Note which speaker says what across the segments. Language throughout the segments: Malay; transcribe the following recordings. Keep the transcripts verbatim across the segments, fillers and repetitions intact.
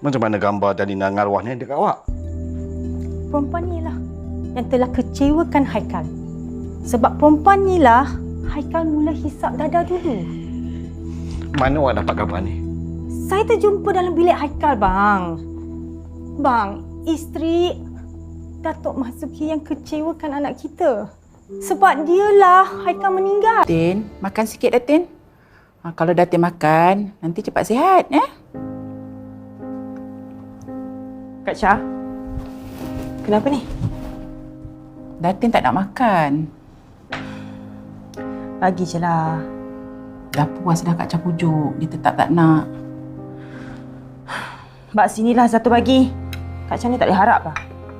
Speaker 1: Macam mana gambar Dalina dengan arwah ni dekat awak?
Speaker 2: Perempuan ni lah yang telah kecewakan Haikal. Sebab perempuan ni lah Haikal mula hisap dada dulu.
Speaker 1: Mana awak dapat gambar ni?
Speaker 2: Saya terjumpa dalam bilik Haikal, bang. Bang, isteri Datuk Mahzuki yang kecewakan anak kita. Sebab dialah Haikal meninggal.
Speaker 3: Tin, makan sikit dah, Tin. Ha, kalau Datin makan, nanti cepat sihat, eh?
Speaker 2: Kak Syah, kenapa ni?
Speaker 3: Datin tak nak makan.
Speaker 2: Bagi je lah.
Speaker 3: Dah puas dah Kak Syah pujuk. Dia tetap tak nak.
Speaker 2: Bak sinilah satu bagi. Kak Syah ni tak boleh harap lah.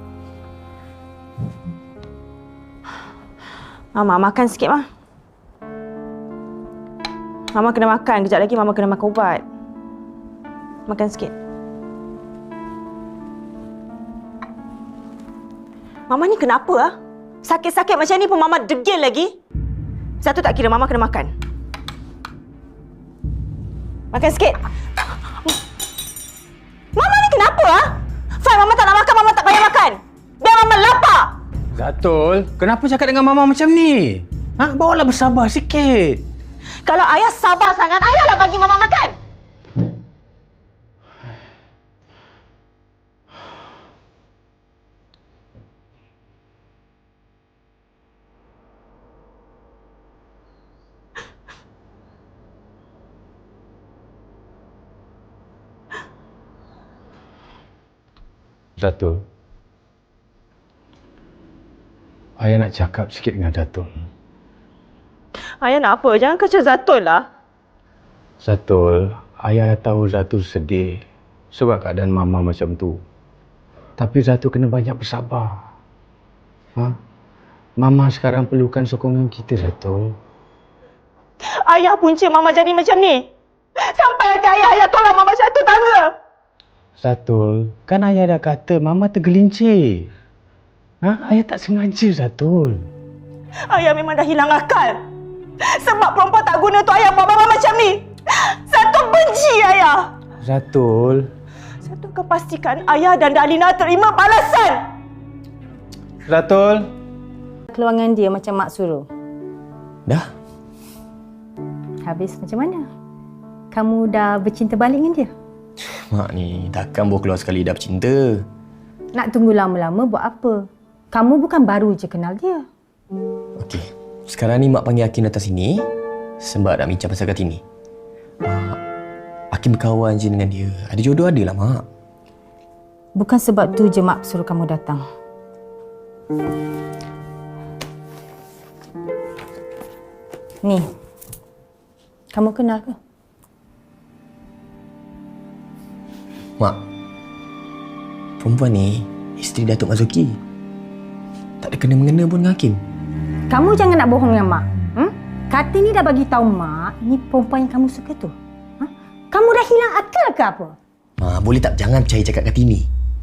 Speaker 2: Mama, makan sikit, Ma. Mama kena makan. Kejap lagi Mama kena makan ubat. Makan sikit. Mama ni kenapa, ah? Sakit-sakit macam ni pun Mama degil lagi. Satu tak kira, Mama kena makan. Makan sikit. Mama ni kenapa, ah? Fine, Mama tak nak makan, Mama tak payah makan. Biar Mama lapar.
Speaker 4: Zatul, kenapa cakap dengan Mama macam ni? Ha? Bawalah bersabar sikit.
Speaker 2: Kalau ayah sabar sangat, ayahlah bagi Mama makan.
Speaker 4: Zatul, ayah nak cakap sikit dengan Zatul.
Speaker 2: Ayah nak apa? Jangan kacau Zatul lah.
Speaker 4: Zatul, ayah tahu Zatul sedih sebab keadaan Mama macam tu. Tapi Zatul kena banyak bersabar. Ha? Mama sekarang perlukan sokongan kita, Zatul.
Speaker 2: Ayah punca Mama jadi macam ni. Sampai hati ayah, ayah tolong Mama satu tangga.
Speaker 4: Zatul, kan ayah dah kata Mama tergelincir. Ha? Ayah tak sengaja, Zatul.
Speaker 2: Ayah memang dah hilang akal. Sebab perempuan tak guna tu ayah buat Mama macam ni. Satu benci ayah.
Speaker 4: Zatul.
Speaker 2: Satu akan pastikan ayah dan Dalina terima balasan.
Speaker 4: Zatul.
Speaker 2: Keluangan dia macam mak suruh.
Speaker 5: Dah?
Speaker 2: Habis macam mana? Kamu dah bercinta balik dengan dia?
Speaker 5: Mak ni takkan baru keluar sekali dah bercinta.
Speaker 2: Nak tunggu lama-lama buat apa? Kamu bukan baru je kenal dia.
Speaker 5: Okey. Sekarang ni Mak panggil Hakim datang sini sebab nak bincang pasal Kartini. Mak, Hakim berkawan je dengan dia. Ada jodoh ada lah, Mak.
Speaker 2: Bukan sebab tu je Mak suruh kamu datang. Ni. Kamu kenal ke?
Speaker 5: Mak, perempuan ni isteri Datuk Mahzuki. Tak ada kena-mengena pun dengan Hakim.
Speaker 2: Kamu jangan nak bohong dengan Mak. Hmm? Kartini dah bagi tahu Mak, ni perempuan yang kamu suka tu. Ha? Kamu dah hilang akal ke apa?
Speaker 5: Mak, boleh tak jangan percaya cakap Kartini.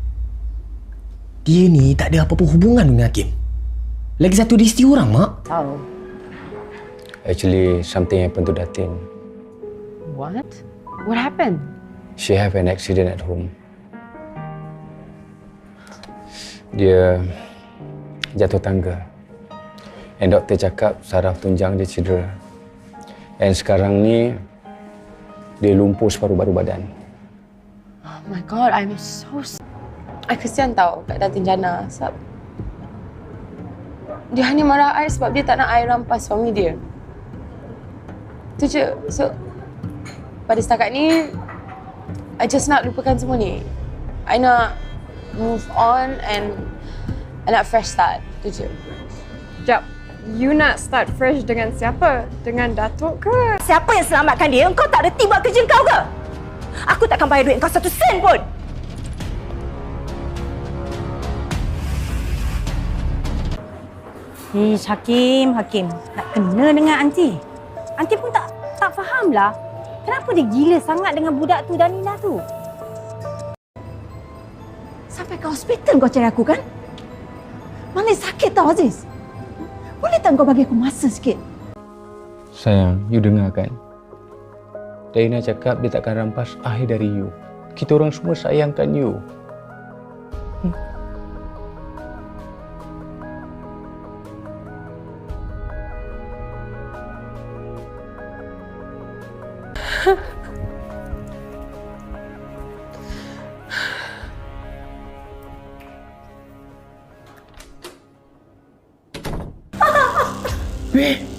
Speaker 5: Dia ni tak ada apa-apa hubungan dengan Hakim. Lagi satu dia isteri orang, Mak.
Speaker 2: Oh.
Speaker 4: Actually, something happened to Datin.
Speaker 6: What? What happened?
Speaker 4: She have an accident at home. Dia jatuh tangga. And doktor cakap saraf tunjang dia cedera. And sekarang ni dia lumpuh separuh baru badan.
Speaker 6: Oh my god, I'm so s- I kesian tau kat Datin Jana sebab dia hanya marah I sebab dia tak nak I rampas suami dia. Tu je. So pada setakat ni I just nak lupakan semua ni. I nak move on and I nak fresh start. Tu je.
Speaker 7: Jap, you nak start fresh dengan siapa? Dengan Datuk ke?
Speaker 2: Siapa yang selamatkan dia? Engkau tak reti buat kerja kau ke? Aku takkan bayar duit kau satu sen pun. Ish, Hakim, Hakim. Nak kena dengan Aunty. Aunty pun tak tak fahamlah. Kenapa dia gila sangat dengan budak tu, Dalina tu? Sampai ke hospital kau cari aku kan? Mana sakit tau, Aziz? Boleh tak kau bagi aku masa sikit?
Speaker 4: Sayang, you dengar kan? Dalina cakap dia takkan rampas akhir dari you. Kita orang semua sayangkan you.
Speaker 5: Weh,